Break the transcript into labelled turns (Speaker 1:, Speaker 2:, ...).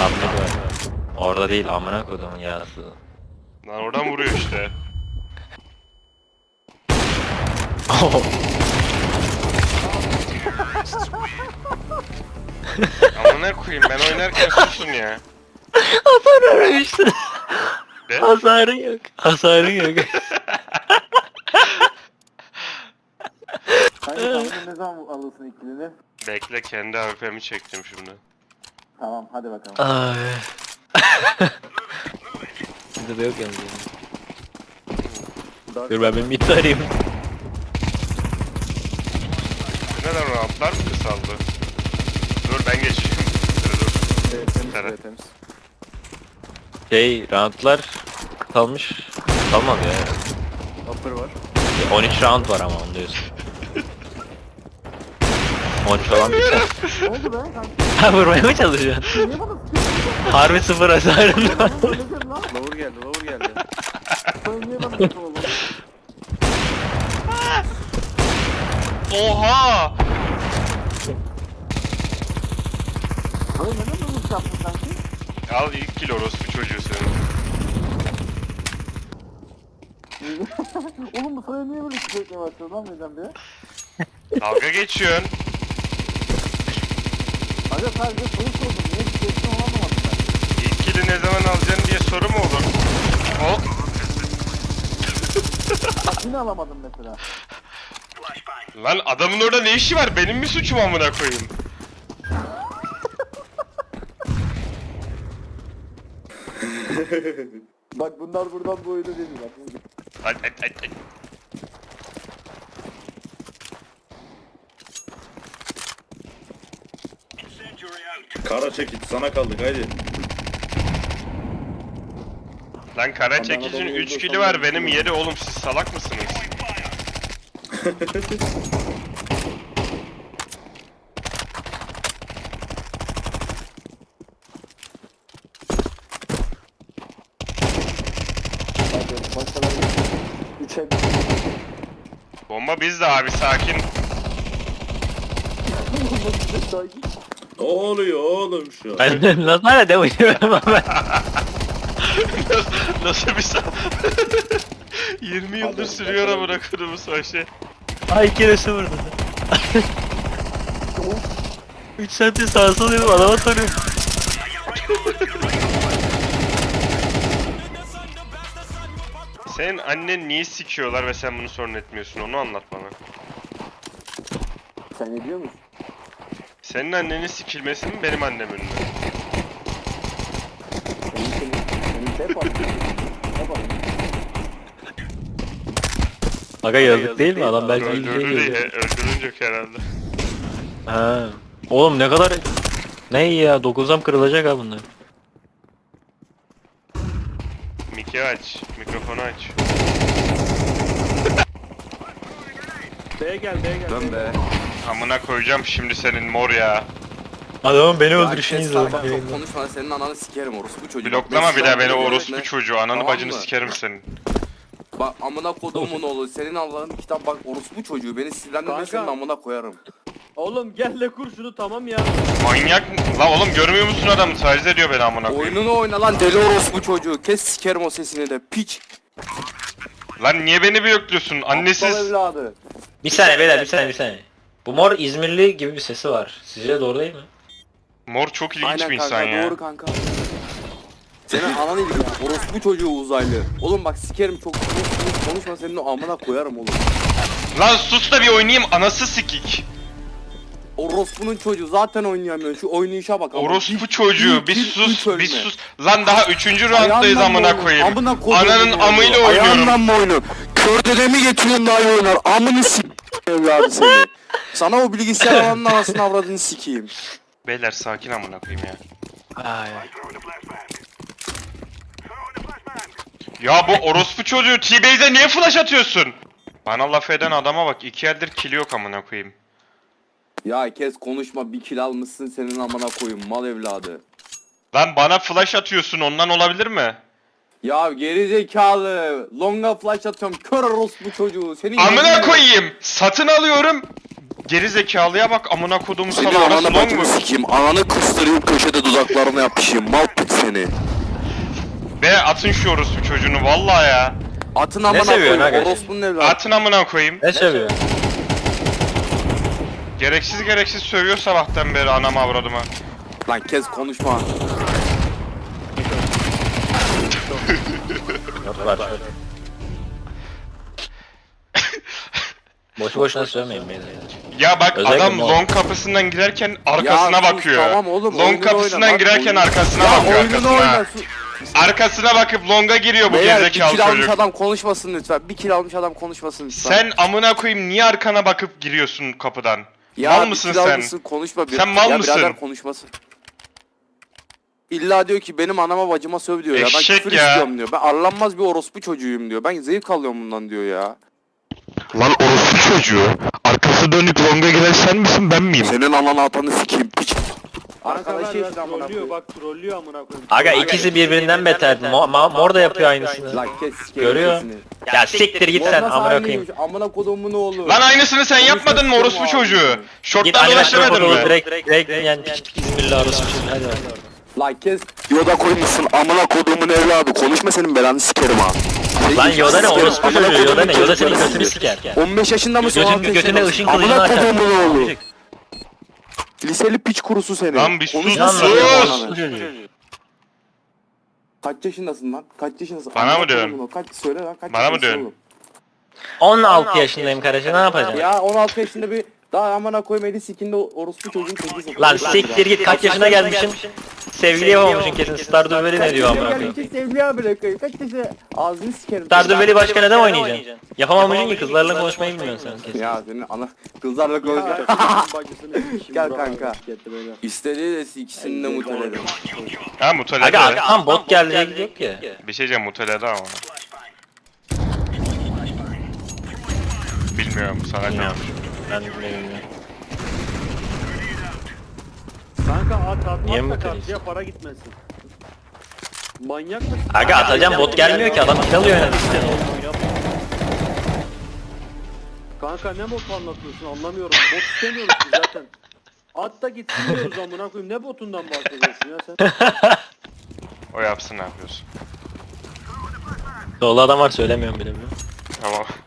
Speaker 1: Tam var. Orada değil amına kodumun yarası.
Speaker 2: Lan oradan vuruyor işte. Ama ne koyayım ben oynarken susun ya.
Speaker 1: Hasar aramıştın.
Speaker 2: Ne?
Speaker 1: Hasarın yok. Hasarın yok.
Speaker 3: Kanka tahminen ne zaman alırsın ikilini?
Speaker 2: Bekle kendi AWP'mi çektim şimdi.
Speaker 3: Tamam hadi bakalım.
Speaker 1: Ay. Bizde de yok yalnız. Dur ben bir mid arayayım.
Speaker 2: Neden rahatlar mı kısaldı? Dur ben geçeyim. Dur. Temiz.
Speaker 3: Temiz.
Speaker 1: Roundlar kalmış. Kalmadı ya.
Speaker 3: Upper var.
Speaker 1: 13 round var ama onu diyorsun. 13 olan bir şey.
Speaker 3: Ne oldu be kanka?
Speaker 1: Ha vurmaya mı çalışıyorsun?
Speaker 3: Niye bana sıkıyorsun?
Speaker 1: Harbi sıfır hasarım var.
Speaker 3: Öyle lan. Lower geldi, lower geldi. Sen niye bana sıkıyorsun oğlum?
Speaker 2: Oha!
Speaker 3: Abi neden böyle bir şey yaptın sanki?
Speaker 2: Al ilk kill orospu çocuğu senin.
Speaker 3: Oğlum bu sana niye böyle sürekli başlıyor lan neden be?
Speaker 2: Dalga geçiyorsun.
Speaker 3: Aga sadece soru sordum. Niye sürekli onu anlamadım ben.
Speaker 2: İlk kill'i ne zaman alacaksın diye soru mu olur? Hop.
Speaker 3: Bak yine alamadım mesela.
Speaker 2: Lan adamın orada ne işi var? Benim mi suçum amına koyayım?
Speaker 3: Bak bunlar buradan bu oyunu değil bak.
Speaker 2: Ay.
Speaker 4: Kara çekit sana kaldık haydi.
Speaker 2: Lan kara çekicinin 3 kill'i var benim 7 oğlum siz salak mısınız?
Speaker 3: Hadi başkaları 3'e
Speaker 2: Bomba bizde abi sakin.
Speaker 4: Ne oluyor oğlum şu an?
Speaker 1: Ben nasıl hala de oynuyorum ama.
Speaker 2: Nasıl bir 20 yıldır sürüyor amına koyduğum savaşı.
Speaker 1: Ay keresi vurdu. 3 saattir sağa sola diyorum adama soruyorum.
Speaker 2: Senin annen niye sikiyorlar ve sen bunu sorun etmiyorsun onu anlat bana.
Speaker 3: Sen ne diyor musun?
Speaker 2: Senin annenin sikilmesi mi benim annemin mi?
Speaker 3: Senin şey yapalım. Yapalım.
Speaker 1: Aga yazık değil mi adam belki iyi
Speaker 2: Öldürdü diye
Speaker 1: geliyor.
Speaker 2: öldürünce herhalde.
Speaker 1: Ha. Oğlum ne kadar ne iyi ya 9'dan kırılacak ha bunlar.
Speaker 2: Miki aç, mikrofonu aç.
Speaker 3: B'ye gel. Dön be.
Speaker 2: Amına koyacağım şimdi senin mor ya.
Speaker 1: Adamın beni
Speaker 5: Ya
Speaker 1: öldürüşünü
Speaker 5: kes
Speaker 1: izledim.
Speaker 5: lan, bak, çok konuşma senin ananı sikerim orospu çocuğu.
Speaker 2: Bloklama
Speaker 5: Bak,
Speaker 2: bir daha beni
Speaker 5: beş
Speaker 2: orospu
Speaker 5: yıldır
Speaker 2: çocuğu. Ananı
Speaker 5: Tamam
Speaker 2: bacını
Speaker 5: mı?
Speaker 2: sikerim senin.
Speaker 5: Bak amına koduğumun oğlu senin Allah'ın kitap bak orospu çocuğu beni sinirlendirme
Speaker 6: Kanka.
Speaker 5: senin amına koyarım.
Speaker 6: Oğlum gel de kur şunu tamam ya.
Speaker 2: Manyak la oğlum görmüyor musun adamı taciz ediyor beni amına koyayım.
Speaker 5: Oyununu oyna lan deli orospu çocuğu kes sikerim o sesini de piç.
Speaker 2: Lan niye beni blokluyorsun
Speaker 5: Aptal
Speaker 2: annesiz.
Speaker 5: evladı.
Speaker 1: Bir saniye beyler bir saniye. Bu mor İzmirli gibi bir sesi var. Sizce doğru değil mi?
Speaker 2: Mor çok ilginç
Speaker 5: Aynen
Speaker 2: bir
Speaker 5: kanka
Speaker 2: insan ya.
Speaker 5: doğru kanka. Senin ananı gibi orospu çocuğu uzaylı. Oğlum bak sikerim çok konuşma senin o amına koyarım oğlum.
Speaker 2: Lan sus da bir oynayayım anası sikik.
Speaker 5: Orospunun çocuğu zaten oynayamıyor şu oynayışa bak. ama.
Speaker 2: Orospu çocuğu bir
Speaker 5: üç
Speaker 2: sus
Speaker 5: ölme.
Speaker 2: bir sus. Lan daha 3. rounddayız
Speaker 5: Ayağından mı
Speaker 2: amına
Speaker 5: oynuyorsun?
Speaker 2: koyayım.
Speaker 5: Amına koyduğum
Speaker 2: Ananın
Speaker 5: oynuyor.
Speaker 2: amıyla oynuyorum.
Speaker 5: Ayağından mı oynuyorsun? Kör dedemi getiriyorsun daha iyi oynar. Amını evladı seni. Sana o bilgisayar alanın anasını avradını sikeyim.
Speaker 2: Beyler sakin amına koyayım ya.
Speaker 1: Ay.
Speaker 2: Ya bu orospu çocuğu T-Base'e niye flash atıyorsun? Bana laf eden adama bak 2 eldir kili yok amına koyayım.
Speaker 5: Ya kes konuşma bir kill almışsın senin amına koyayım mal evladı.
Speaker 2: Lan bana flash atıyorsun ondan olabilir mi?
Speaker 5: Ya geri zekalı. Longa flash atıyorum. Kör orospu çocuğu. Senin
Speaker 2: Amına
Speaker 5: yemin-
Speaker 2: koyayım. Satın alıyorum. geri zekalıya bak amına kodumu
Speaker 5: Senin
Speaker 2: sana orası
Speaker 5: ananı
Speaker 2: long
Speaker 5: bacını
Speaker 2: mu?
Speaker 5: sikeyim. Ananı kıstırayım köşede dudaklarına yapışayım. Mal pit seni.
Speaker 2: Be atın şu orospu çocuğunu vallahi ya.
Speaker 5: Atın amına
Speaker 1: seviyorsun
Speaker 5: koyayım.
Speaker 1: aga?
Speaker 5: Orospunun evladı.
Speaker 2: Atın amına koyayım.
Speaker 1: Ne seviyor?
Speaker 2: Gereksiz sövüyor sabahtan beri anama avradıma.
Speaker 5: Lan kes konuşma.
Speaker 1: Yok var şöyle. Boşu boşuna sövmeyin beni.
Speaker 2: Ya bak
Speaker 1: Özellikle
Speaker 2: adam
Speaker 1: bu-
Speaker 2: long kapısından girerken arkasına
Speaker 5: Ya sus,
Speaker 2: bakıyor.
Speaker 5: tamam oğlum,
Speaker 2: Long
Speaker 5: oyununu
Speaker 2: kapısından
Speaker 5: oyna, bak,
Speaker 2: girerken
Speaker 5: oyunu-
Speaker 2: arkasına
Speaker 5: Ya
Speaker 2: bakıyor
Speaker 5: oyununu
Speaker 2: arkasına.
Speaker 5: oyna.
Speaker 2: Arkasına bakıp longa giriyor bu
Speaker 5: Beyler bir
Speaker 2: gerizekalı
Speaker 5: kill almış
Speaker 2: çocuk.
Speaker 5: adam konuşmasın lütfen. Bir kill almış adam konuşmasın lütfen.
Speaker 2: Sen amına koyayım niye arkana bakıp giriyorsun kapıdan?
Speaker 5: ya
Speaker 2: Mal
Speaker 5: bir
Speaker 2: mısın
Speaker 5: kill
Speaker 2: sen?
Speaker 5: almışsın, konuşma bir.
Speaker 2: Sen mal
Speaker 5: ya
Speaker 2: mısın?
Speaker 5: birader konuşmasın. İlla diyor ki benim anama bacıma söv diyor ya. Ben
Speaker 2: Eşek
Speaker 5: küfür
Speaker 2: ya.
Speaker 5: istiyorum diyor. Ben arlanmaz bir orospu çocuğuyum diyor. Ben zevk alıyorum bundan diyor ya.
Speaker 2: Lan orospu çocuğu. Arkası dönük longa giren sen misin ben miyim?
Speaker 5: Senin ananı atanı sikeyim piç.
Speaker 6: Arkadaşı
Speaker 5: Arkadaşı işte amına
Speaker 6: trollüyor
Speaker 5: koyayım.
Speaker 6: bak trollüyor amına koyayım.
Speaker 1: Aga ikisi birbirinden beter. Mor da yapıyor aynısını.
Speaker 5: Lan kes sikerim
Speaker 1: Görüyor.
Speaker 5: sesini.
Speaker 1: Ya siktir git sen
Speaker 5: Nasıl
Speaker 1: amına koyayım.
Speaker 5: aynıymış? Amına kodumun ne olur?
Speaker 2: Lan aynısını sen yapmadın mı orospu
Speaker 5: Konuşmak
Speaker 2: çocuğu?
Speaker 5: istiyorum
Speaker 1: Git
Speaker 2: Şorttan
Speaker 1: animasyon
Speaker 2: dolaşamadın
Speaker 1: kodulu
Speaker 2: mı?
Speaker 1: direkt yani bismillah arası hadi hadi.
Speaker 5: Lan kes. Yoda koymuşsun amına kodumun evladı. Konuşma senin belanı sikerim ha.
Speaker 1: Lan Yoda ne orospu
Speaker 5: Amına
Speaker 1: çocuğu Yoda ne?
Speaker 5: kodumun
Speaker 1: Yoda senin
Speaker 5: çocukları
Speaker 1: götünü
Speaker 5: sizi.
Speaker 1: siker.
Speaker 5: 15 yaşında mısın? 16
Speaker 1: Götüne
Speaker 5: yaşında
Speaker 1: ışın
Speaker 5: mısın?
Speaker 1: kılıcını
Speaker 5: Amına
Speaker 1: açar.
Speaker 5: kodumun oğlu. Liseli piç kurusu seni.
Speaker 2: Lan bir sus,
Speaker 5: Konuşma
Speaker 2: sus!
Speaker 5: sen
Speaker 1: Sus!
Speaker 5: bana. Kaç yaşındasın lan? Kaç yaşındasın?
Speaker 2: Bana mı
Speaker 5: Amına
Speaker 2: diyorsun?
Speaker 5: kodumun oğlu. Kaç söyle lan kaç
Speaker 2: Bana mı
Speaker 5: yaşındasın
Speaker 2: diyorsun?
Speaker 5: oğlum?
Speaker 1: 16 yaşındayım kardeşim ne yapacaksın?
Speaker 5: Ya 16 yaşında bir daha amına koyma eli sikinde orospu çocuğun tekisin.
Speaker 1: Lan siktir git kaç yaşına gelmişsin? Sevgili yapamamışsın kesin. Stardew Valley ne diyor amına koyayım?
Speaker 5: Sevgili abi bırakayım. Kaç yaşında ağzını sikerim.
Speaker 1: Stardew Valley başka neden oynayacaksın? Yapamamışsın ki kızlarla konuşmayı bilmiyorsun sen kesin.
Speaker 5: Ya senin ana kızlarla konuşuyor. Gel kanka. İstediği de ikisini de muteledim.
Speaker 2: Ha
Speaker 1: Aga
Speaker 2: mutelede.
Speaker 1: tam bot geldi diye gidiyor ki.
Speaker 2: Bir şey diyeceğim mutelede ama. Bilmiyorum sana
Speaker 1: Bilmiyorum.
Speaker 2: kalmış.
Speaker 1: Ben de bilmiyorum.
Speaker 6: Kanka at
Speaker 1: Niye
Speaker 6: atmazsa
Speaker 1: mi
Speaker 6: karşıya para gitmesin. Manyak mısın?
Speaker 1: Aga atacağım bot gelmiyor ki adam kill alıyor yani.
Speaker 6: Kanka ne bot anlatıyorsun anlamıyorum. Bot istemiyoruz ki zaten. At da gitsin diyoruz amına koyayım. Ne botundan bahsediyorsun ya sen?
Speaker 2: O yapsın ne yapıyorsun?
Speaker 1: Solda adam var söylemiyorum bile.
Speaker 2: Tamam.